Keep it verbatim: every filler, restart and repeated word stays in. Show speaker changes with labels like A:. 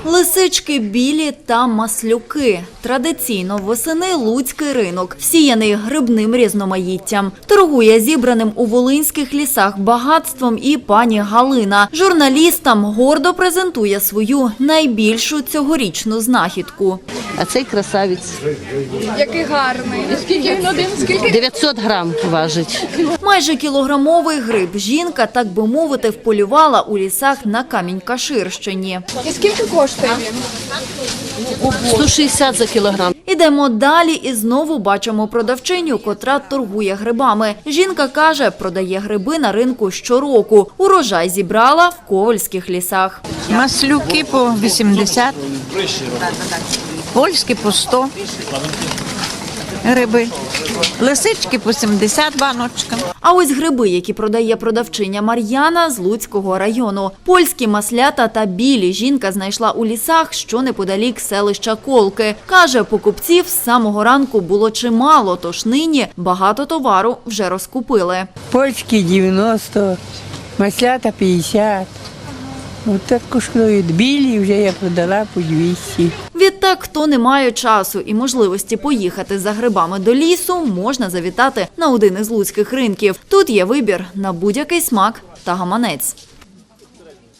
A: Лисички білі та маслюки. Традиційно восени луцький ринок, всіяний грибним різноманіттям. Торгує зібраним у волинських лісах багатством і пані Галина. Журналістам гордо презентує свою найбільшу цьогорічну знахідку.
B: А цей красавець.
C: Який гарний. Скільки він один? Скільки?
B: дев'ятсот грам важить.
A: Майже кілограмовий гриб жінка, так би мовити, вполювала у лісах на Камінь-Каширщині.
C: І скільки коштує він?
B: сто шістдесят за кілограм.
A: Ідемо далі і знову бачимо продавчиню, котра торгує грибами. Жінка каже, продає гриби на ринку щороку. Урожай зібрала в ковальських лісах.
D: Маслюки по вісімдесят, польські по сто гриби, лисички по сімдесят баночка.
A: А ось гриби, які продає продавчиня Мар'яна з Луцького району. Польські маслята та білі жінка знайшла у лісах, що неподалік селища Колки. Каже, покупців з самого ранку було чимало, тож нині багато товару вже розкупили.
E: Польські дев'яносто, маслята п'ятдесят. Ось так коштують. Білі вже я продала по двісті.
A: Відтак, хто не має часу і можливості поїхати за грибами до лісу, можна завітати на один із луцьких ринків. Тут є вибір на будь-який смак та гаманець.